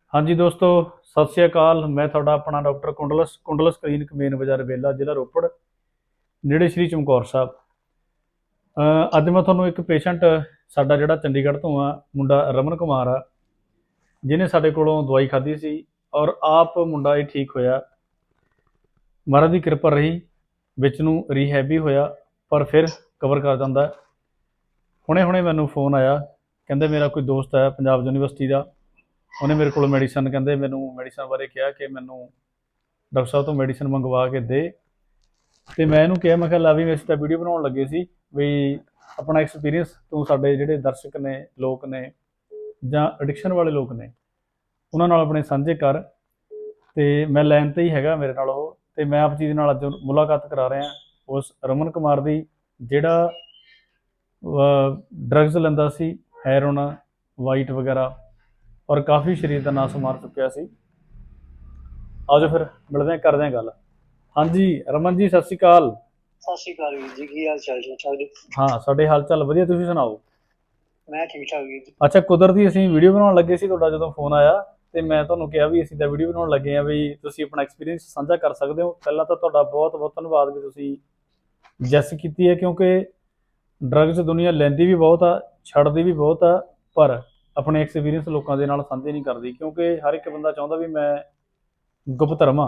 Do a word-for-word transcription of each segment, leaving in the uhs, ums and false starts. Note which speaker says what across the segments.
Speaker 1: हाँ जी दोस्तों, सत श्री अकाल। मैं थोड़ा अपना doctor Kundals Kundals clinic main बाजार बेला जिला रोपड़ नेड़े श्री चमकौर साहब। अज मैं थोनों एक पेशेंट साडा जिहड़ा चंडीगढ़ तो आ मुंडा रमन कुमार आ, जिन्हें साडे कोलों दवाई खाधी सी और आप मुंडा ये ठीक होया। महाराज की कृपा रही, विच नूं रीहैब भी होया पर फिर कवर कर जांदा है। हुणे हुणे मैनूं फोन आया, कहंदे मेरा कोई दोस्त है पंजाब यूनीवर्सिटी का, उन्हें मेरे को मैडिसन कहते मैनू मैडिसन बारे कहा कि मैनू डॉक्टर साहब तो मैडिसन मंगवा के दे। तो मैं इन्हूं कहा, मैं कहा ला भी मैं तो वीडियो बनाने लगे सी भी अपना एक्सपीरियंस तू साडे जिहड़े दर्शक ने लोग ने जां एडिक्शन वाले लोग ने उन्हां नाल अपने साझे कर। तो मैं लैन ते ही हैगा मेरे नाल ओह, ते मैं आप जी दे नाल अज मुलाकात करा रहा उस रमन कुमार की जिहड़ा ड्रग्स लैंदा सी, हैरोन वाइट वगैरह और काफ़ी शरीर का नास मार चुकिया सी। आज फिर मिलते हैं, करते हैं गल। हाँ जी रमन जी, सत श्री अकाल।
Speaker 2: सत श्री अकाल वीर जी, की हाल चाल ठीक ठाक जी?
Speaker 1: हाँ साडे हाल चाल वधिया, तुसीं सुणाओ?
Speaker 2: मैं ठीक ठाक वीर जी।
Speaker 1: अच्छा, कुदरती असीं वीडियो बनाउण लगे सी, तुहाडा जदों फोन आया ते मैं तुहानूं कहा भी असीं तां वीडियो बनाउण लगे हाँ, भी तुसीं अपना एक्सपीरियंस साझा कर सकदे हो। पहलां तां तुहाडा बहुत बहुत धन्नवाद भी तुसीं जैस कीती है, क्योंकि ड्रग्स दुनिया लैंदी भी बहुत आ, छड्डदी भी बहुत आ, पर अपने एक्सपीरियंस लोगों के नाल साझे नहीं करती, क्योंकि हर एक बंदा चाहुंदा भी मैं गुप्त रवां।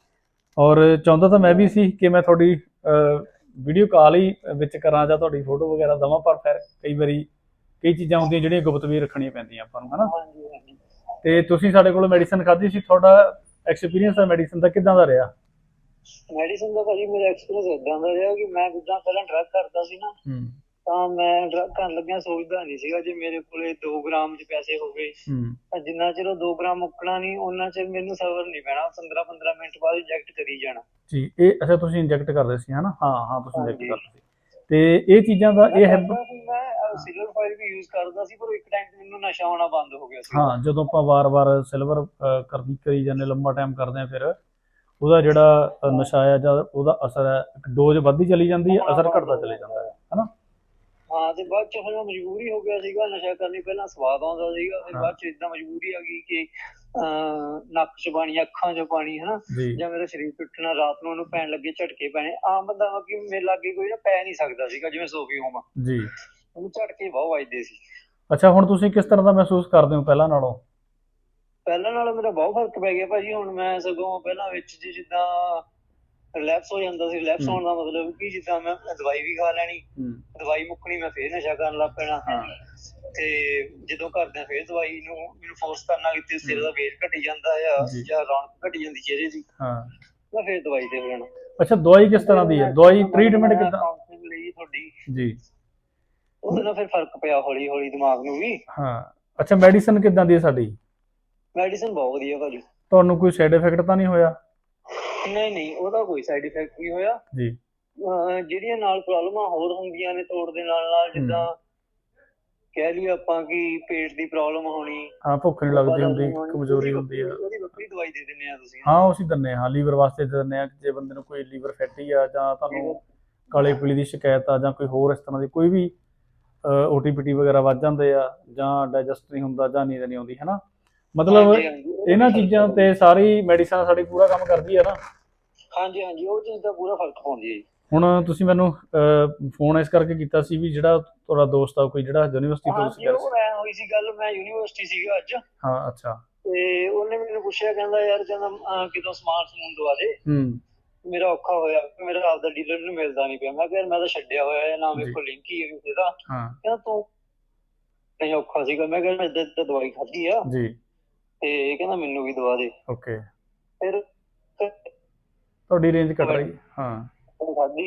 Speaker 1: और चाहुंदा तो मैं भी सी कि मैं थोड़ी वीडियो कॉल ही विच करां जां तुहाडी फोटो वगैरह दवां, पर फिर कई बारी कई चीज़ां होंदियां जिहड़ियां गुप्त भी रखणियां पैंदियां आपां नूं, है ना।
Speaker 2: हाँ जी हाँ जी।
Speaker 1: ते तुसीं साडे कोलों मैडिसन खाधी सी, तुहाडा एक्सपीरियंस है मैडिसन दा किदां दा रिहा?
Speaker 2: मैडिसन का भाजी मेरा एक्सपीरियंस इदां दा ਰਿਹਾ कि मैं जिद्दां ਪਹਿਲਾਂ ਡਰੱਗ ਕਰਦਾ ਸੀ ਨਾ, ਤਾਂ ਮੈਂ ਡਰੱਗ ਕਰਨ ਲੱਗਿਆ ਸੋਚਦਾ ਨਹੀਂ ਸੀਗਾ ਜੇ ਮੇਰੇ ਕੋਲੇ ਦੋ ਗ੍ਰਾਮ ਚ ਪੈਸੇ ਹੋ ਗਏ ਤਾਂ ਜਿੰਨਾ ਚਿਰ ਉਹ ਦੋ ਗ੍ਰਾਮ ਮੁੱਕਣਾ ਨਹੀਂ ਉਹਨਾਂ ਚਿਰ ਮੈਨੂੰ ਸਬਰ ਨਹੀਂ ਪੈਣਾ, ਪੰਦਰਾਂ ਪੰਦਰਾਂ ਮਿੰਟ ਬਾਅਦ ਇੰਜੈਕਟ ਕਰੀ ਜਾਣਾ
Speaker 1: ਜੀ। ਇਹ ਅੱਛਾ ਤੁਸੀਂ ਇੰਜੈਕਟ ਕਰਦੇ ਸੀ, ਹਨਾ? ਹਾਂ ਹਾਂ ਤੁਸੀਂ ਇੰਜੈਕਟ ਕਰਦੇ ਸੀ ਤੇ ਇਹ ਚੀਜ਼ਾਂ ਦਾ ਇਹ ਹੈ।
Speaker 2: ਮੈਂ ਸਿਲਵਰ ਫਾਇਲ ਵੀ ਯੂਜ਼ ਕਰਦਾ ਸੀ, ਪਰ ਇੱਕ ਟਾਈਮ ਤੇ ਮੈਨੂੰ ਨਸ਼ਾ ਆਉਣਾ ਬੰਦ ਹੋ ਗਿਆ ਸੀ।
Speaker 1: ਹਾਂ, ਜਦੋਂ ਆਪਾਂ ਵਾਰ-ਵਾਰ ਸਿਲਵਰ ਕਰਦੀ ਕਰੀ ਜਾਂਦੇ, ਲੰਬਾ ਟਾਈਮ ਕਰਦੇ ਆ, ਫਿਰ ਉਹਦਾ ਜਿਹੜਾ ਨਸ਼ਾ ਆ ਜਾਂ ਉਹਦਾ ਅਸਰ ਹੈ, ਡੋਜ਼ ਵੱਧਦੀ ਚਲੀ ਜਾਂਦੀ ਹੈ, ਅਸਰ ਘਟਦਾ ਚਲੇ ਜਾਂਦਾ ਹੈ, ਹਨਾ।
Speaker 2: ਹਾਂ, ਤੇ ਬਾਅਦ ਚ ਫਿਰ ਮਜਬੂਰੀ ਹੋ ਗਿਆ ਸੀਗਾ ਨਸ਼ਾ ਕਰਨੀ। ਪਹਿਲਾਂ ਸਵਾਦ ਆਉਂਦਾ ਸੀਗਾ, ਫਿਰ ਬਾਅਦ ਚ ਇਦਾਂ ਮਜਬੂਰੀ ਆ ਗਈ ਕਿ ਅਹ ਨੱਕ ਚ ਪਾਣੀ, ਅੱਖਾਂ ਚ ਪਾਣੀ, ਹਨਾ, ਜਾਂ ਮੇਰਾ ਸਰੀਰ ਟੁੱਟਣਾ, ਰਾਤ ਨੂੰ ਉਹਨੂੰ ਪੈਣ ਲੱਗੇ ਝਟਕੇ ਪੈਣੇ। ਆਮ ਬੰਦਾ ਕਿ ਮੇਰੇ ਲਾਗੇ ਕੋਈ ਨਾ ਪੈ ਨਹੀਂ ਸਕਦਾ ਸੀਗਾ, ਜਿਵੇਂ ਸੋਫੀ ਹੋਵਾਂ ਜੀ, ਉਹਨੂੰ ਝਟਕੇ ਬਹੁਤ ਵੱਜਦੇ ਸੀ।
Speaker 1: ਅੱਛਾ, ਹੁਣ ਤੁਸੀਂ ਕਿਸ ਤਰ੍ਹਾਂ ਦਾ ਮਹਿਸੂਸ ਕਰਦੇ ਹੋ ਪਹਿਲਾਂ ਨਾਲੋਂ?
Speaker 2: ਪਹਿਲਾਂ ਨਾਲੋਂ ਮੇਰਾ ਬਹੁਤ ਫਰਕ ਪੈ ਗਿਆ ਭਾਜੀ। ਹੁਣ ਮੈਂ ਸਗੋਂ ਪਹਿਲਾਂ ਵਿੱਚ ਜੀ ਜਿੱਦਾਂ ਰਿਲੈਕਸ ਹੋ ਜਾਂਦਾ ਸੀ। ਰਿਲੈਕਸ ਹੋਣ ਦਾ ਮਤਲਬ ਕਿ ਜਿੱਦਾਂ ਮੈਂ ਦਵਾਈ ਵੀ ਖਾ ਲੈਣੀ, ਦਵਾਈ ਮੁੱਕਣੀ, ਮੈਂ ਫੇਰ ਨਸ਼ਾ ਕਰਨ ਲੱਗ ਪੈਣਾ। ਤੇ ਜਦੋਂ ਘਰਦਿਆਂ ਫੇਰ ਦਵਾਈ ਨੂੰ ਮੈਨੂੰ ਫੋਰਸ ਕਰਨਾ ਕਿ ਸਿਰ ਦਾ ਵੇਟ ਘਟੀ ਜਾਂਦਾ ਆ ਜਾਂ ਰੌਣਕ ਘਟੀ ਜਾਂਦੀ ਚਿਹਰੇ ਦੀ, ਮੈਂ ਫੇਰ ਦਵਾਈ ਤੇ ਹੋ ਜਾਣਾ।
Speaker 1: ਅੱਛਾ, ਦਵਾਈ ਕਿਸ ਤਰ੍ਹਾਂ ਦੀ ਹੈ? ਦਵਾਈ ਟ੍ਰੀਟਮੈਂਟ ਕਿੱਦਾਂ
Speaker 2: ਲਈ ਤੁਹਾਡੀ
Speaker 1: ਜੀ?
Speaker 2: ਉਹਦੇ ਨਾਲ ਫਿਰ ਫਰਕ ਪਿਆ ਹੌਲੀ ਹੌਲੀ ਦਿਮਾਗ ਨੂੰ ਵੀ।
Speaker 1: ਹਾਂ, ਅੱਛਾ, ਮੈਡੀਸਨ ਕਿੱਦਾਂ ਦੀ ਹੈ ਸਾਡੀ?
Speaker 2: ਮੈਡੀਸਨ ਬਹੁਤ ਵਧੀਆ ਭਾਜੀ।
Speaker 1: ਤੁਹਾਨੂੰ ਕੋਈ ਸਾਈਡ ਇਫੈਕਟ ਤਾਂ ਨਹੀਂ ਹੋਇਆ?
Speaker 2: ਨਹੀਂ ਨਹੀਂ, ਉਹਦਾ ਕੋਈ ਸਾਈਡ ਇਫੈਕਟ ਨਹੀਂ ਹੋਇਆ
Speaker 1: ਜੀ।
Speaker 2: ਜਿਹੜੀਆਂ ਨਾਲ ਪ੍ਰੋਬਲਮਾਂ ਹੋਰ ਹੁੰਦੀਆਂ ਨੇ ਤੋੜ ਦੇ ਨਾਲ ਨਾਲ, ਜਿੱਦਾਂ ਕਹਿ ਲਈਏ ਆਪਾਂ ਕਿ ਪੇਟ ਦੀ ਪ੍ਰੋਬਲਮ ਹੋਣੀ,
Speaker 1: ਹਾਂ, ਭੁੱਖ ਨਹੀਂ ਲੱਗਦੀ ਹੁੰਦੀ, ਕਮਜ਼ੋਰੀ ਹੁੰਦੀ ਆ,
Speaker 2: ਉਹਦੀ ਵੱਖਰੀ ਦਵਾਈ ਦੇ ਦਿੰਦੇ ਆ ਤੁਸੀਂ?
Speaker 1: ਹਾਂ, ਅਸੀਂ ਦਿੰਦੇ ਹਾਂ, ਲੀਵਰ ਵਾਸਤੇ ਦੇ ਦਿੰਦੇ ਹਾਂ। ਜੇ ਬੰਦੇ ਨੂੰ ਕੋਈ ਲੀਵਰ ਫੈਟੀ ਆ ਜਾਂ ਤੁਹਾਨੂੰ ਕਾਲੇ ਪੀਲੀ ਦੀ ਸ਼ਿਕਾਇਤ ਆ ਜਾਂ ਕੋਈ ਹੋਰ ਇਸ ਤਰ੍ਹਾਂ ਦੀ ਕੋਈ ਵੀ ਓ ਟੀ ਪੀ ਟੀ ਵਗੈਰਾ ਵੱਧ ਜਾਂਦੇ ਆ ਜਾਂ ਡਾਈਜੈਸਟ ਨਹੀਂ ਹੁੰਦਾ ਜਾਂ ਨੀਂਦ ਨਹੀਂ ਆਉਂਦੀ, ਹੈ ਨਾ। ਮਤਲਬ ਇਹਨਾਂ ਚੀਜ਼ਾਂ ਤੇ ਸਾਰੀ ਮੈਡੀਸਨ ਸਾਡੀ ਪੂਰਾ ਕੰਮ ਕਰਦੀ ਹੈ ਨਾ।
Speaker 2: ਹਾਂਜੀ ਹਾਂਜੀ, ਉਹ ਚੀਜ਼ ਦਾ ਪੂਰਾ ਫਰਕ ਪਾਉਂਦੀ ਹੈ ਜੀ।
Speaker 1: ਹੁਣ ਤੁਸੀਂ ਮੈਨੂੰ ਫੋਨ ਇਸ ਕਰਕੇ ਕੀਤਾ ਸੀ ਵੀ ਜਿਹੜਾ ਤੁਹਾਡਾ ਦੋਸਤ ਆ ਕੋਈ ਜਿਹੜਾ ਯੂਨੀਵਰਸਿਟੀ ਤੋਂ ਸੀ?
Speaker 2: ਉਹ ਐ ਹੋਈ ਸੀ ਗੱਲ, ਮੈਂ ਯੂਨੀਵਰਸਿਟੀ ਸੀਗਾ ਅੱਜ।
Speaker 1: ਹਾਂ, ਅੱਛਾ।
Speaker 2: ਤੇ ਉਹਨੇ ਮੈਨੂੰ ਪੁੱਛਿਆ, ਕਹਿੰਦਾ ਯਾਰ ਕਹਿੰਦਾ ਕਿਤੋਂ ਸਮਾਨ ਸਮੂਨ ਦਵਾ ਦੇ, ਮੇਰਾ ਔਖਾ ਹੋਇਆ, ਮੇਰਾ ਆਪਦਾ ਡੀਲਰ ਨੂੰ ਮਿਲਦਾ ਨਹੀਂ ਪਿਆ। ਮੈਂ ਕਿਹਾ ਮੈਂ ਤਾਂ ਛੱਡਿਆ ਹੋਇਆ ਨਾ, ਮੇਰੇ ਕੋਲ ਲਿੰਕ ਹੀ ਹੈ ਕਿਸੇ ਦਾ। ਕਹਿੰਦਾ ਤੂੰ ਨਹੀਂ ਔਖਾ ਸੀਗਾ? ਮੈਂ ਕਿਹਾ ਮੈਂ ਇੱਦਾਂ ਇੱਦਾਂ ਦਵਾਈ ਖਾਧੀ ਆ ਜੀ, ਤੇ ਕਹਿੰਦਾ ਮੈਨੂੰ ਵੀ ਦਵਾ ਦੇ। ਓਕੇ, ਫਿਰ
Speaker 1: ਤੁਹਾਡੀ ਰੇਂਜ ਘਟ ਰਹੀ? ਹਾਂ,
Speaker 2: ਖਾਧੀ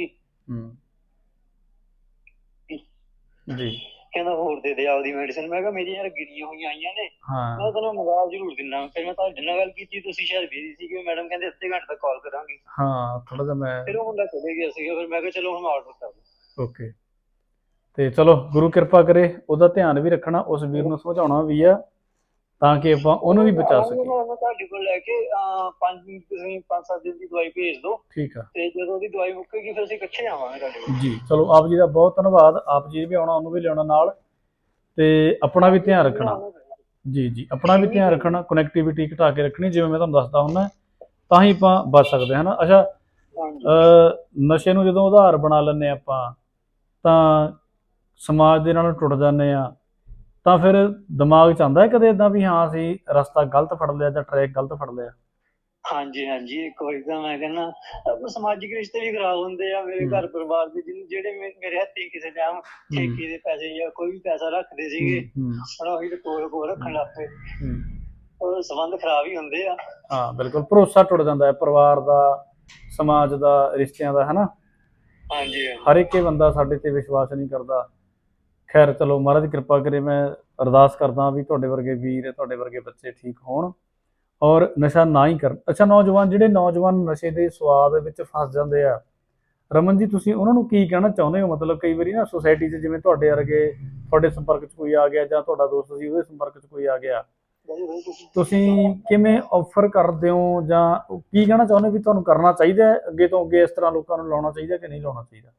Speaker 2: ਜੀ। ਕਹਿੰਦਾ ਹੋਰ ਦੇ ਦੇ ਆਪਦੀ ਮੈਡੀਸਨ। ਮੈਂ ਕਿਹਾ ਮੇਰੀ ਯਾਰ ਗਿਰੀਆਂ ਹੋਈਆਂ ਆਈਆਂ ਨੇ, ਮੈਂ ਤੈਨੂੰ ਮੰਗਾ ਜ਼ਰੂਰ ਦਿੰਦਾ। ਫਿਰ ਮੈਂ ਤੁਹਾਡੇ ਨਾਲ ਗੱਲ ਕੀਤੀ, ਤੁਸੀਂ ਸ਼ਾਇਦ ਬਿਜ਼ੀ ਸੀਗੇ। ਮੈਡਮ ਕਹਿੰਦੇ ਅੱਧੇ ਘੰਟੇ ਤੱਕ ਕਾਲ ਕਰਾਂਗੀ। ਹਾਂ, ਥੋੜਾ ਜਿਹਾ ਮੈਂ ਫਿਰ ਉਹ ਮੁੰਡਾ ਚਲੇ ਗਿਆ ਸੀਗਾ। ਫਿਰ ਮੈਂ ਕਿਹਾ ਚਲੋ ਹੁਣ ਆਰਡਰ ਕਰ ਦਿਓ। ਓਕੇ,
Speaker 1: ਤੇ ਚਲੋ ਗੁਰੂ ਕਿਰਪਾ ਕਰੇ, ਉਹਦਾ ਧਿਆਨ ਵੀ ਰੱਖਣਾ, ਉਸ ਵੀਰ ਨੂੰ ਸਮਝਾਉਣਾ ਵੀ ਆ ਤਾਂ ਕਿ ਆਪਾਂ ਉਹਨੂੰ ਵੀ ਬਚਾ ਸਕੀਏ।
Speaker 2: ਤੁਹਾਡੇ ਕੋਲ ਲੈ ਕੇ ਪੰਜ ਤੁਸੀਂ ਪੰਜ ਸੱਤ ਦਿਨ ਦੀ ਦਵਾਈ ਭੇਜ ਦਿਓ,
Speaker 1: ਠੀਕ ਆ? ਤੇ
Speaker 2: ਜਦੋਂ ਉਹਦੀ ਦਵਾਈ ਮੁੱਕੇਗੀ ਫਿਰ ਅਸੀਂ ਇਕੱਠੇ ਆਵਾਂਗੇ ਤੁਹਾਡੇ ਕੋਲ
Speaker 1: ਜੀ। ਚਲੋ, ਆਪ ਜੀ ਦਾ ਬਹੁਤ ਧੰਨਵਾਦ। ਆਪ ਜੀ ਵੀ ਆਉਣਾ, ਉਹਨੂੰ ਵੀ ਲਿਆਉਣਾ ਨਾਲ, ਤੇ ਆਪਣਾ ਵੀ ਧਿਆਨ ਰੱਖਣਾ ਜੀ ਜੀ ਆਪਣਾ ਵੀ ਧਿਆਨ ਰੱਖਣਾ, ਕਨੈਕਟੀਵਿਟੀ ਘਟਾ ਕੇ ਰੱਖਣੀ, ਜਿਵੇਂ ਮੈਂ ਤੁਹਾਨੂੰ ਦੱਸਦਾ ਹੁੰਦਾ, ਤਾਂ ਹੀ ਆਪਾਂ ਬਚ ਸਕਦੇ ਹਾਂ ਨਾ। ਅੱਛਾ,
Speaker 2: ਹਾਂਜੀ
Speaker 1: ਅ, ਨਸ਼ੇ ਨੂੰ ਜਦੋਂ ਆਧਾਰ ਬਣਾ ਲੈਂਦੇ ਆਪਾਂ ਤਾਂ ਸਮਾਜ ਦੇ ਨਾਲ ਟੁੱਟ ਜਾਂਦੇ ਆ, ਤਾਂ ਫਿਰ ਦਿਮਾਗ 'ਚ ਆਉਂਦਾ ਹੈ ਕਦੇ ਇੱਦਾਂ ਵੀ ਹਾਂ ਅਸੀਂ ਰਸਤਾ ਗਲਤ ਫੜ ਲਿਆ ਜਾਂ ਟਰੈਕ ਗਲਤ ਫੜ ਲਿਆ?
Speaker 2: ਹਾਂਜੀ ਹਾਂਜੀ ਇੱਕ ਵਾਰੀ ਤਾਂ ਮੈਂ ਕਹਿੰਦਾ ਆਪਾਂ ਸਮਾਜਿਕ ਰਿਸ਼ਤੇ ਵੀ ਖਰਾਬ ਹੁੰਦੇ ਆ ਮੇਰੇ
Speaker 1: ਹੂੰ।
Speaker 2: ਘਰ ਪਰਿਵਾਰ ਦੇ, ਜਿਹਨ- ਜਿਹੜੇ ਮੇ- ਮੇਰੇ ਹੱਥੀਂ ਕਿਸੇ ਟਾਈਮ ਠੇਕੇ ਦੇ ਪੈਸੇ ਜਾਂ ਕੋਈ ਵੀ ਪੈਸਾ ਰੱਖਦੇ ਸੀਗੇ,
Speaker 1: ਹੂੰ
Speaker 2: ਹੁਣ ਉਹੀ ਤੇ ਕੋਲ ਕੋਲ ਰੱਖਣ ਲੱਗ ਪਏ,
Speaker 1: ਹੂੰ
Speaker 2: ਉਹ ਸੰਬੰਧ ਖਰਾਬ ਹੀ ਹੁੰਦੇ ਆ।
Speaker 1: ਹਾਂ ਬਿਲਕੁਲ, ਭਰੋਸਾ ਟੁੱਟ ਜਾਂਦਾ ਹੈ ਪਰਿਵਾਰ ਦਾ, ਸਮਾਜ ਦਾ, ਰਿਸ਼ਤਿਆਂ ਦਾ, ਹਨਾ।
Speaker 2: ਹਾਂਜੀ
Speaker 1: ਹਰ ਇੱਕ ਹੀ ਬੰਦਾ ਸਾਡੇ ਤੇ ਵਿਸ਼ਵਾਸ ਨਹੀਂ ਕਰਦਾ। ਖੈਰ ਚਲੋ, ਮਹਾਰਾਜ ਕਿਰਪਾ ਕਰੇ। ਮੈਂ ਅਰਦਾਸ ਕਰਦਾ ਵੀ ਤੁਹਾਡੇ ਵਰਗੇ ਵੀਰ, ਤੁਹਾਡੇ ਵਰਗੇ ਬੱਚੇ ਠੀਕ ਹੋਣ ਔਰ ਨਸ਼ਾ ਨਾ ਹੀ ਕਰਨ। ਅੱਛਾ, ਨੌਜਵਾਨ ਜਿਹੜੇ ਨੌਜਵਾਨ ਨਸ਼ੇ ਦੇ ਸਵਾਦ ਵਿੱਚ ਫਸ ਜਾਂਦੇ ਆ, ਰਮਨ ਜੀ ਤੁਸੀਂ ਉਹਨਾਂ ਨੂੰ ਕੀ ਕਹਿਣਾ ਚਾਹੁੰਦੇ ਹੋ? ਮਤਲਬ ਕਈ ਵਾਰੀ ਨਾ ਸੁਸਾਇਟੀ 'ਚ ਜਿਵੇਂ ਤੁਹਾਡੇ ਵਰਗੇ, ਤੁਹਾਡੇ ਸੰਪਰਕ 'ਚ ਕੋਈ ਆ ਗਿਆ ਜਾਂ ਤੁਹਾਡਾ ਦੋਸਤ ਸੀ ਉਹਦੇ ਸੰਪਰਕ 'ਚ ਕੋਈ ਆ ਗਿਆ, ਤੁਸੀਂ ਕਿਵੇਂ ਆਫਰ ਕਰਦੇ ਹੋ ਜਾਂ ਕੀ ਕਹਿਣਾ ਚਾਹੁੰਦੇ ਹੋ ਵੀ ਤੁਹਾਨੂੰ ਕਰਨਾ ਚਾਹੀਦਾ ਹੈ ਅੱਗੇ ਤੋਂ ਅੱਗੇ, ਇਸ ਤਰ੍ਹਾਂ ਲੋਕਾਂ ਨੂੰ ਲਾਉਣਾ ਚਾਹੀਦਾ ਕਿ ਨਹੀਂ ਲਾਉਣਾ ਚਾਹੀਦਾ?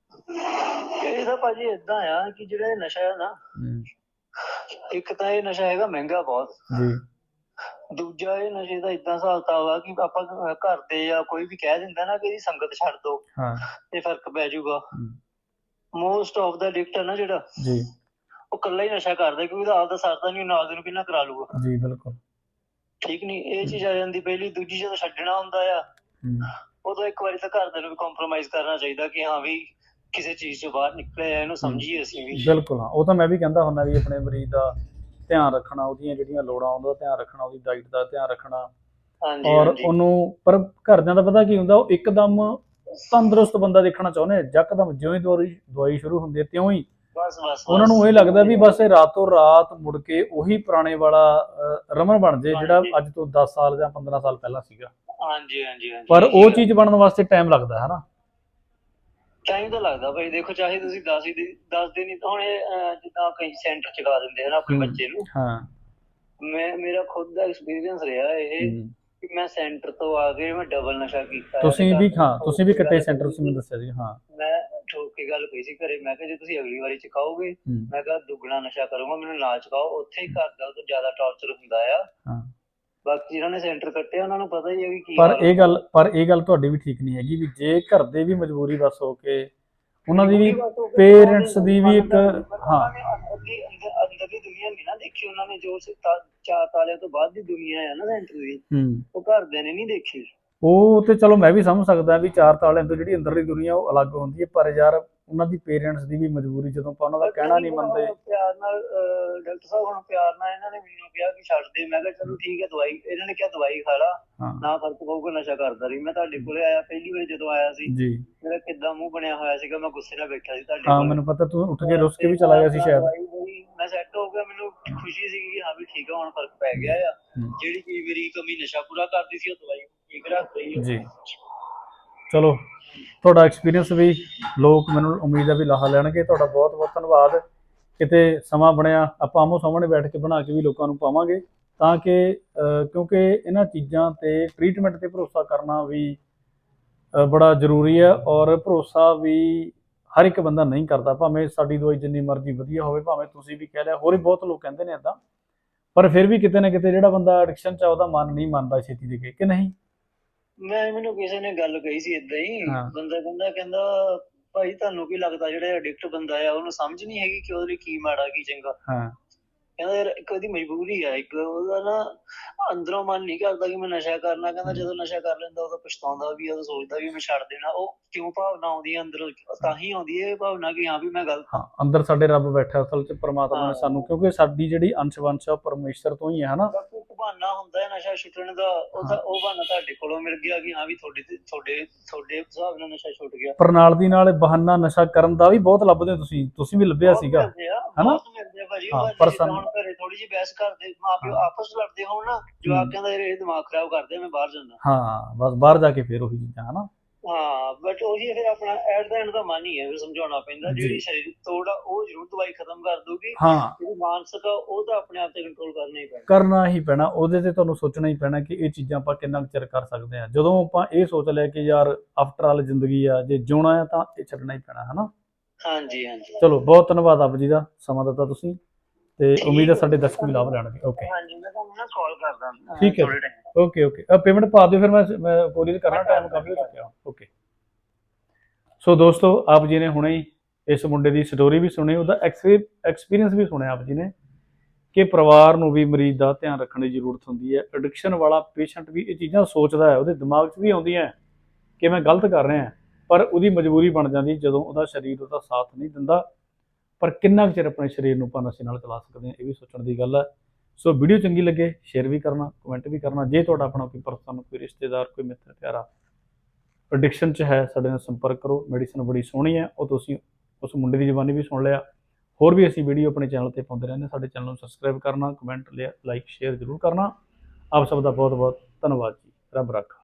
Speaker 2: ਇਹ ਤਾਂ ਭਾਜੀ ਏਦਾਂ ਆ ਕਿ ਜਿਹੜਾ ਇਹ ਨਸ਼ਾ ਹੈ ਨਾ, ਇੱਕ ਤਾਂ ਇਹ ਨਸ਼ਾ ਹੈਗਾ ਮਹਿੰਗਾ ਬਹੁਤ
Speaker 1: ਜੀ।
Speaker 2: ਦੂਜਾ ਇਹ ਨਸ਼ੇ ਦਾ ਏਦਾਂ ਹਿਸਾਬ ਕਿਤਾਬ ਆ ਕਿ ਆਪਾਂ ਘਰ ਦੇ ਜਾਂ ਕੋਈ ਵੀ ਕਹਿ ਦਿੰਦਾ ਨਾ ਕਿ ਇਹਦੀ ਸੰਗਤ ਛੱਡ ਦੋ
Speaker 1: ਹਾਂ
Speaker 2: ਤੇ ਫਰਕ ਪੈ ਜਾਊਗਾ। ਮੋਸਟ ਆਫ ਦਾ ਐਡਿਕਟ ਹੈ ਨਾ ਜਿਹੜਾ,
Speaker 1: ਜੀ
Speaker 2: ਉਹ ਇਕੱਲਾ ਹੀ ਨਸ਼ਾ ਕਰਦਾ ਕਿਉਂਕਿ ਉਹਦਾ ਆਪਦਾ ਸਰਦਾ ਨਹੀਂ, ਨਾਲ ਦੇ ਨੂੰ ਕਿੰਨਾ ਕਰਾ ਲੂਗਾ।
Speaker 1: ਜੀ ਬਿਲਕੁਲ
Speaker 2: ਠੀਕ ਨੀ, ਇਹ ਚੀਜ਼ ਆ ਜਾਂਦੀ ਪਹਿਲੀ। ਦੂਜੀ ਜਦੋਂ ਛੱਡਣਾ ਹੁੰਦਾ ਆ ਉਦੋਂ ਇੱਕ ਵਾਰੀ ਤਾਂ ਘਰਦਿਆਂ ਨੂੰ ਵੀ ਕੰਪਰੋਮਾਈਜ਼ ਕਰਨਾ ਚਾਹੀਦਾ ਕਿ ਹਾਂ ਵੀ ਕਿਸੇ ਚੀਜ਼ ਤੋਂ ਬਾਹਰ ਨਿਕਲੇ ਆ, ਇਹਨੂੰ ਸਮਝੀਏ ਅਸੀਂ ਵੀ।
Speaker 1: ਬਿਲਕੁਲ ਹਾਂ, ਉਹ ਤਾਂ ਮੈਂ ਵੀ ਕਹਿੰਦਾ ਹੁੰਦਾ ਵੀ ਆਪਣੇ ਮਰੀਜ਼ ਦਾ ਧਿਆਨ ਰੱਖਣਾ, ਉਹਦੀਆਂ ਜਿਹੜੀਆਂ ਲੋੜਾਂ ਉਹਦਾ ਧਿਆਨ ਰੱਖਣਾ, ਉਹਦੀ ਡਾਈਟ ਦਾ ਧਿਆਨ ਰੱਖਣਾ,
Speaker 2: ਹਾਂਜੀ
Speaker 1: ਔਰ
Speaker 2: ਹਾਂਜੀ
Speaker 1: ਉਹਨੂੰ। ਪਰ ਘਰਦਿਆਂ ਦਾ ਪਤਾ ਕੀ ਹੁੰਦਾ, ਉਹ ਇੱਕਦਮ ਤੰਦਰੁਸਤ ਬੰਦਾ ਦੇਖਣਾ ਚਾਹੁੰਦੇ ਆ, ਯਕਦਮ ਜਿਉਂ ਹੀ ਦਵਾਈ ਦਵਾਈ ਸ਼ੁਰੂ ਹੁੰਦੀ ਹੈ ਤਿਉਂ ਹੀ
Speaker 2: ਬਸ ਬਸ
Speaker 1: ਉਹਨਾਂ ਨੂੰ ਇਹ ਲੱਗਦਾ ਵੀ ਬਸ ਇਹ ਰਾਤੋਂ ਰਾਤ ਮੁੜ ਕੇ ਉਹੀ ਪੁਰਾਣੇ ਵਾਲਾ ਅ, ਰਮਨ ਬਣ ਜੇ ਜਿਹੜਾ ਅੱਜ ਤੋਂ ਦਸ ਸਾਲ ਜਾਂ ਪੰਦਰਾਂ ਸਾਲ ਪਹਿਲਾਂ ਸੀਗਾ।
Speaker 2: ਹਾਂਜੀ ਹਾਂਜੀ ਹਾਂਜੀ
Speaker 1: ਪਰ ਉਹ ਚੀਜ਼ ਬਣਨ ਵਾਸਤੇ ਟਾਈਮ ਲੱਗਦਾ ਹੈ ਨਾ।
Speaker 2: ਟਾਈਮ ਤਾਂ ਲੱਗਦਾ ਭਾਈ, ਦੇਖੋ ਚਾਹੇ ਤੁਸੀਂ ਦਸ ਹੀ ਦਸ ਦਿਨ ਹੀ ਤਾਂ ਹੁਣ ਇਹ, ਅਹ, ਜਿੱਦਾਂ ਕਈ ਸੈਂਟਰ ਚ ਲਾ ਦਿੰਦੇ ਹਨ ਆਪਣੇ
Speaker 1: ਹੂੰ,
Speaker 2: ਬੱਚੇ ਨੂੰ।
Speaker 1: ਹਾਂ
Speaker 2: ਮੈਂ ਮੇਰਾ ਖੁਦ ਦਾ ਐਕਸਪੀਰੀਅੰਸ ਰਿਹਾ ਇਹ
Speaker 1: ਹੂੰ।
Speaker 2: ਕਿ ਮੈਂ ਸੈਂਟਰ ਤੋਂ ਆ ਕੇ ਮੈਂ ਡਬਲ ਨਸ਼ਾ ਕੀਤਾ।
Speaker 1: ਤੁਸੀਂ ਵੀ ਹਾਂ, ਤੁਸੀਂ ਵੀ ਕੱਟੇ ਸੈਂਟਰ, ਤੁਸੀਂ ਮੈਨੂੰ ਦੱਸਿਆ ਸੀ। ਹਾਂ
Speaker 2: ਮੈਂ ਠੋਕ ਕੇ ਗੱਲ ਕਹੀ ਸੀ ਘਰੇ, ਮੈਂ ਕਿਹਾ ਜੇ ਤੁਸੀਂ ਅਗਲੀ ਵਾਰੀ ਚਕਾਓਗੇ
Speaker 1: ਹੂੰ,
Speaker 2: ਮੈਂ ਕਿਹਾ ਦੁੱਗਣਾ ਨਸ਼ਾ ਕਰੂੰਗਾ, ਮੈਨੂੰ ਨਾ ਚਕਾਓ। ਉੱਥੇ ਹੀ ਘਰ ਦਾ ਤੋਂ ਜ਼ਿਆਦਾ ਟੌਰਚਰ ਹੁੰਦਾ ਆ।
Speaker 1: ਹਾਂ।
Speaker 2: ਬਾਕੀ ਜਿਹਨਾਂ ਨੇ ਸੈਂਟਰ ਕੱਟਿਆ ਉਹਨਾਂ ਨੂੰ ਪਤਾ ਹੀ ਹੈ ਵੀ ਕੀ
Speaker 1: ਪਰ
Speaker 2: ਹਾਲ
Speaker 1: ਇਹ ਗੱਲ ਪਰ ਇਹ ਗੱਲ ਤੁਹਾਡੀ ਵੀ ਠੀਕ ਨਹੀਂ ਹੈਗੀ ਵੀ ਜੇ ਘਰ ਦੇ ਵੀ ਮਜਬੂਰੀ ਬਸ ਹੋ ਕੇ ਉਹਨਾਂ ਦੀ ਵੀ, ਪੇਰੈਂਟਸ ਦੀ ਵੀ ਇੱਕ, ਹਾਂ
Speaker 2: ਅੰਦਰਲੀ ਅੰਦਰ ਅੰਦਰਲੀ ਦੁਨੀਆ ਨਹੀਂ ਨਾ ਦੇਖੀ ਉਹਨਾਂ ਨੇ, ਜੋ ਤਾ- ਚਾਰ ਤਾਲਿਆਂ ਤੋਂ ਬਾਅਦ ਦੀ ਦੁਨੀਆ ਹੈ ਨਾ ਸੈਂਟਰ ਦੀ,
Speaker 1: ਹੂੰ।
Speaker 2: ਉਹ ਘਰਦਿਆਂ ਨੇ ਨਹੀਂ ਦੇਖੀ।
Speaker 1: ਉਹ ਤੇ ਚਲੋ ਮੈਂ ਵੀ ਸਮਝ ਸਕਦਾ ਵੀ ਚਾਰ ਤਾਲਿਆਂ ਤੋਂ ਜਿਹੜੀ ਅੰਦਰਲੀ ਦੁਨੀਆ ਉਹ ਅਲੱਗ ਹੁੰਦੀ ਹੈ, ਪਰ ਯਾਰ ਉਹਨਾਂ ਦੀ ਪੇਰੈਂਟਸ ਦੀ ਵੀ ਮਜਬੂਰੀ, ਜਦੋਂ ਆਪਾਂ ਉਹਨਾਂ ਦਾ ਕਹਿਣਾ ਨਹੀਂ ਮੰਨਦੇ।
Speaker 2: ਪਿਆਰ ਨਾਲ ਡਾਕਟਰ ਸਾਹਿਬ ਹੁਣ ਪਿਆਰ ਨਾਲ ਇਹਨਾਂ ਨੇ ਮੈਨੂੰ ਕਿਹਾ ਕਿ ਛੱਡ ਦੇ, ਮੈਂ ਕਿਹਾ ਚਲੋ ਠੀਕ ਹੈ ਦਵਾਈ, ਇਹਨਾਂ ਨੇ ਕਿਹਾ ਦਵਾਈ ਖਾ ਲਾ
Speaker 1: ਹਾਂ
Speaker 2: ਨਾ ਫਰਕ ਪਊਗਾ, ਨਸ਼ਾ ਕਰਦਾ ਰਹੀ। ਮੈਂ ਤੁਹਾਡੇ ਕੋਲੇ ਆਇਆ ਪਹਿਲੀ ਵਾਰ ਜਦੋਂ ਆਇਆ ਸੀ,
Speaker 1: ਜੀ
Speaker 2: ਮੇਰਾ ਕਿੱਦਾਂ ਮੂੰਹ ਬਣਿਆ ਹੋਇਆ ਸੀਗਾ, ਮੈਂ ਗੁੱਸੇ ਨਾਲ ਬੈਠਾ ਸੀ ਤੁਹਾਡੇ
Speaker 1: ਹਾਂ,
Speaker 2: ਕੋਲੇ।
Speaker 1: ਮੈਨੂੰ ਪਤਾ ਤੂੰ ਉੱਠ ਕੇ ਰੁੱਸ ਕੇ ਵੀ ਚਲਾ ਗਿਆ ਸੀ ਸ਼ਾਇਦ।
Speaker 2: ਦਵਾਈ ਹੋਈ, ਮੈਂ ਸੈੱਟ ਹੋ ਗਿਆ, ਮੈਨੂੰ ਖੁਸ਼ੀ ਸੀਗੀ ਕਿ ਹਾਂ ਵੀ ਠੀਕ ਆ ਹੁਣ ਫਰਕ ਪੈ ਗਿਆ ਆ।
Speaker 1: ਹੂੰ।
Speaker 2: ਜਿਹੜੀ ਕੀ ਮੇਰੀ ਕਮੀ ਨਸ਼ਾ ਪੂਰਾ ਕਰਦੀ ਸੀ, ਉਹ ਦਵਾਈ ਠੀਕ ਰੱਖ ਰਹੀ ਹੈ।
Speaker 1: ਜੀ ਚਲੋ, ਤੁਹਾਡਾ ਐਕਸਪੀਰੀਅੰਸ ਵੀ ਲੋਕ ਮੈਨੂੰ ਉਮੀਦ ਹੈ ਵੀ ਲਾਹਾ ਲੈਣਗੇ। ਤੁਹਾਡਾ ਬਹੁਤ ਬਹੁਤ ਧੰਨਵਾਦ। ਕਿਤੇ ਸਮਾਂ ਬਣਿਆ ਆਪਾਂ ਆਮੋ ਸਾਹਮਣੇ ਬੈਠ ਕੇ ਬਣਾ ਕੇ ਵੀ ਲੋਕਾਂ ਨੂੰ ਪਾਵਾਂਗੇ, ਤਾਂ ਕਿ ਅ, ਕਿਉਂਕਿ ਇਹਨਾਂ ਚੀਜ਼ਾਂ ਤੇ ਟਰੀਟਮੈਂਟ ਤੇ ਭਰੋਸਾ ਕਰਨਾ ਵੀ ਅ, ਬੜਾ ਜ਼ਰੂਰੀ ਹੈ, ਔਰ ਭਰੋਸਾ ਵੀ ਹਰ ਇੱਕ ਬੰਦਾ ਨਹੀਂ ਕਰਦਾ, ਭਾਵੇਂ ਸਾਡੀ ਦਵਾਈ ਜਿੰਨੀ ਮਰਜ਼ੀ ਵਧੀਆ ਹੋਵੇ, ਭਾਵੇਂ ਤੁਸੀਂ ਵੀ ਕਹਿ ਲਿਆ, ਹੋਰ ਵੀ ਬਹੁਤ ਲੋਕ ਕਹਿੰਦੇ ਨੇ ਇੱਦਾਂ, ਪਰ ਫਿਰ ਵੀ ਕਿਤੇ ਨਾ ਕਿਤੇ ਜਿਹੜਾ ਬੰਦਾ ਐਡਿਕਸ਼ਨ 'ਚ ਆ ਉਹਦਾ ਮਨ ਨਹੀਂ ਮੰਨਦਾ ਛੇਤੀ ਦੇ ਕੇ, ਕਿ ਨਹੀਂ?
Speaker 2: ਮੈਂ ਮੈਨੂੰ ਕਿਸੇ ਨੇ ਗੱਲ ਕਹੀ ਸੀ ਏਦਾਂ ਹੀ,
Speaker 1: ਹਾਂ।
Speaker 2: ਬੰਦਾ ਕਹਿੰਦਾ ਕਹਿੰਦਾ ਭਾਈ ਤੁਹਾਨੂੰ ਕੀ ਲੱਗਦਾ ਜਿਹੜਾ ਐਡਿਕਟ ਬੰਦਾ ਆ ਉਹਨੂੰ ਸਮਝ ਨਹੀਂ ਹੈਗੀ ਕਿ ਉਹਦੇ ਲਈ ਕੀ ਮਾੜਾ ਕੀ ਚੰਗਾ।
Speaker 1: ਹਾਂ
Speaker 2: ਕਹਿੰਦਾ ਯਾਰ ਇੱਕ ਉਹਦੀ ਮਜਬੂਰੀ ਆ, ਇੱਕ ਉਹਦਾ ਨਾ ਅੰਦਰੋਂ ਮਨ ਨਹੀਂ ਕਰਦਾ ਕਿ ਮੈਂ ਨਸ਼ਾ ਕਰਨਾ। ਕਹਿੰਦਾ ਜਦੋਂ ਨਸ਼ਾ ਕਰ ਲੈਂਦਾ ਉਦੋਂ ਪਛਤਾਉਂਦਾ ਵੀ, ਉਦੋਂ ਸੋਚਦਾ ਵੀ ਮੈਂ ਛੱਡ ਦੇਣਾ। ਉਹ ਕਿਉਂ ਭਾਵਨਾ ਆਉਂਦੀ ਹੈ ਅੰਦਰੋਂ, ਤਾਂ ਹੀ ਆਉਂਦੀ ਹੈ ਇਹ ਭਾਵਨਾ ਕਿ ਹਾਂ ਵੀ ਮੈਂ ਗਲਤ
Speaker 1: ਹਾਂ, ਅੰਦਰ ਸਾਡੇ ਰੱਬ ਬੈਠਾ ਅਸਲ 'ਚ, ਪਰਮਾਤਮਾ ਨੇ
Speaker 2: ਹਾਂ।
Speaker 1: ਸਾਨੂੰ, ਕਿਉਂਕਿ ਸਾਡੀ ਜਿਹੜੀ ਅੰਸ਼ ਵੰਸ਼ ਆ ਉਹ ਪਰਮੇਸ਼ਰ ਤੋਂ ਹੀ ਹੈ ਹਨਾ।
Speaker 2: ਬਾਕੀ ਇੱਕ ਬਹਾਨਾ ਹੁੰਦਾ ਹੈ ਨਸ਼ਾ ਛੁੱਟਣ ਦਾ, ਉਹ ਤਾਂ ਉਹ ਬਹਾਨਾ ਤੁਹਾਡੇ ਕੋਲੋਂ ਮਿਲ ਗਿਆ ਕਿ ਹਾਂ ਵੀ ਤੁਹਾਡੇ ਤੇ ਤੁਹਾਡੇ ਤੁਹਾਡੇ ਹਿਸਾਬ ਨਾਲ ਨਸ਼ਾ ਛੁੱਟ ਗਿਆ।
Speaker 1: ਪਰ ਨਾਲ ਦੀ ਨਾਲ ਬਹਾਨਾ ਨਸ਼ਾ ਕਰਨ ਦਾ ਵੀ ਬਹੁਤ ਲੱਭਦੇ ਹੋ ਤੁਸੀਂ ਤੁਸੀਂ ਵੀ ਲੱਭਿਆ
Speaker 2: ਬਹੁਤ
Speaker 1: ਸੀਗਾ,
Speaker 2: ਮਿਲਦੇ ਆ,
Speaker 1: ਹਨਾ?
Speaker 2: ਬਹੁਤ ਮਿਲਦੇ ਆ ਭਾਜੀ।
Speaker 1: ਹਾਂ,
Speaker 2: ਉਹ
Speaker 1: ਪਰ
Speaker 2: ਜਿੱਦਾਂ
Speaker 1: ਸਾਨੂੰ
Speaker 2: ਹੁਣ ਘਰੇ ਥੋੜੀ ਜਿਹੀ ਬਹਿਸ ਕਰਦੇ, ਮਾਂ ਪਿਓ
Speaker 1: ਹਾਂ।
Speaker 2: ਆਪਸ ਚ ਲੜਦੇ ਹੋਣ ਨਾ, ਜਵਾਕ ਕਹਿੰਦਾ ਯਾਰ ਇਹ ਦਿਮਾਗ ਖਰਾਬ ਕਰਦੇ ਆ, ਮੈਂ ਬਾਹਰ ਜਾਂਦਾ।
Speaker 1: ਹਾਂ, ਬਸ ਬਾਹਰ ਜਾ ਕੇ ਫੇਰ ਉਹੀ ਚੀਜ਼ਾਂ, ਹਨਾ?
Speaker 2: ਹਾਂ, ਬਟ ਉਹੀ ਫਿਰ ਆਪਣਾ ਐਟ ਦਾ ਐਂਡ ਦਾ ਮਨ ਹੀ ਹੈ, ਫਿਰ ਸਮਝਾਉਣਾ ਪੈਂਦਾ।
Speaker 1: ਜੀ।
Speaker 2: ਜਿਹੜੀ ਸਰੀਰਕ ਤੋੜ ਆ ਉਹ ਜ਼ਰੂਰ ਦਵਾਈ ਖਤਮ ਕਰ ਦੂਗੀ,
Speaker 1: ਹਾਂ,
Speaker 2: ਜਿਹੜੀ ਮਾਨਸਿਕ ਆ ਉਹ ਤਾਂ ਆਪਣੇ ਆਪ ਤੇ ਕੰਟਰੋਲ ਕਰਨਾ ਹੀ ਪੈਣਾ।
Speaker 1: ਕਰਨਾ ਹੀ ਪੈਣਾ, ਉਹਦੇ ਤੇ ਤੁਹਾਨੂੰ ਸੋਚਣਾ ਹੀ ਪੈਣਾ ਕਿ ਇਹ ਚੀਜ਼ਾਂ ਆਪਾਂ ਕਿੰਨਾ ਕੁ ਚਿਰ ਕਰ ਸਕਦੇ ਹਾਂ। ਜਦੋਂ ਆਪਾਂ ਇਹ ਸੋਚ ਲਿਆ ਕਿ ਯਾਰ ਆਫਟਰ ਆਲ ਜ਼ਿੰਦਗੀ ਆ, ਜੇ ਜਿਉਣਾ ਆ ਤਾਂ ਇਹ ਛੱਡਣਾ ਹੀ ਪੈਣਾ, ਹਨਾ?
Speaker 2: ਹਾਂਜੀ ਹਾਂਜੀ
Speaker 1: ਚਲੋ, ਬਹੁਤ ਧੰਨਵਾਦ ਆਪ ਜੀ ਦਾ, ਸਮਾਂ ਦਿੱਤਾ ਤੁਸੀਂ। ਤੇ ਉਮੀਦ ਹੈ ਸਾਡੇ ਦਰਸ਼ਕ ਵੀ ਲਾਭ ਲੈਣਗੇ। ਓਕੇ
Speaker 2: ਹਾਂਜੀ ਮੈਂ ਤੁਹਾਨੂੰ ਨਾ ਕਾਲ ਕਰਦਾ ਅਹ,
Speaker 1: ਠੀਕ ਹੈ
Speaker 2: ਥੋੜ੍ਹੇ time
Speaker 1: ਓਕੇ ਓਕੇ ਆ ਪੇਮੈਂਟ ਪਾ ਦਿਓ ਫਿਰ ਮੈਂ ਮੈਂ ਕੋਰੀਅਰ ਕਰਨਾ ਟਾਈਮ ਕਾਫੀ ਹੋ ਚੁੱਕਿਆ। ਓਕੇ ਸੋ ਦੋਸਤੋ ਆਪ ਜੀ ਨੇ ਹੁਣੇ ਹੀ ਇਸ ਮੁੰਡੇ ਦੀ ਸਟੋਰੀ ਵੀ ਸੁਣੀ, ਉਹਦਾ ਐਕਸਪੀਰੀਅੰਸ ਵੀ ਸੁਣਿਆ ਆਪ ਜੀ ਨੇ ਕਿ ਪਰਿਵਾਰ ਨੂੰ ਵੀ ਮਰੀਜ਼ ਦਾ ਧਿਆਨ ਰੱਖਣ ਦੀ ਜ਼ਰੂਰਤ ਹੁੰਦੀ ਹੈ। ਐਡਿਕਸ਼ਨ ਵਾਲਾ ਪੇਸ਼ੈਂਟ ਵੀ ਇਹ ਚੀਜ਼ਾਂ ਸੋਚਦਾ ਹੈ, ਉਹਦੇ ਦਿਮਾਗ 'ਚ ਵੀ ਆਉਂਦੀਆਂ ਕਿ ਮੈਂ ਗਲਤ ਕਰ ਰਿਹਾ, ਪਰ ਉਹਦੀ ਮਜਬੂਰੀ ਬਣ ਜਾਂਦੀ ਜਦੋਂ ਉਹਦਾ ਸਰੀਰ ਉਹਦਾ ਸਾਥ ਨਹੀਂ ਦਿੰਦਾ। ਪਰ ਕਿੰਨਾ ਕੁ ਚਿਰ ਆਪਣੇ ਸਰੀਰ ਨੂੰ ਆਪਾਂ ਨਸ਼ੇ ਨਾਲ ਚਲਾ ਸਕਦੇ ਹਾਂ, ਇਹ ਵੀ ਸੋਚਣ ਦੀ ਗੱਲ ਹੈ। ਸੋ ਵੀਡੀਓ ਚੰਗੀ ਲੱਗੇ ਸ਼ੇਅਰ ਵੀ ਕਰਨਾ, ਕਮੈਂਟ ਵੀ ਕਰਨਾ। ਜੇ ਤੁਹਾਡਾ ਆਪਣਾ ਕੋਈ ਪਰਸਨ, ਕੋਈ ਰਿਸ਼ਤੇਦਾਰ, ਕੋਈ ਮਿੱਤਰ ਪਿਆਰਾ ਐਡਿਕਸ਼ਨ 'ਚ ਹੈ, ਸਾਡੇ ਨਾਲ ਸੰਪਰਕ ਕਰੋ। ਮੈਡੀਸਨ ਬੜੀ ਸੋਹਣੀ ਹੈ, ਉਹ ਤੁਸੀਂ ਉਸ ਮੁੰਡੇ ਦੀ ਜ਼ੁਬਾਨੀ ਵੀ ਸੁਣ ਲਿਆ। ਹੋਰ ਵੀ ਅਸੀਂ ਵੀਡੀਓ ਆਪਣੇ ਚੈਨਲ ਤੇ ਪਾਉਂਦੇ ਰਹਿੰਦੇ। ਸਾਡੇ ਚੈਨਲ ਨੂੰ ਸਬਸਕ੍ਰਾਈਬ ਕਰਨਾ, ਕਮੈਂਟ, ਲਾਈਕ, ਸ਼ੇਅਰ ਜ਼ਰੂਰ ਕਰਨਾ। ਆਪ ਸਭ ਦਾ ਬਹੁਤ ਬਹੁਤ ਧੰਨਵਾਦ ਜੀ। ਰੱਬ ਰਾਖਾ।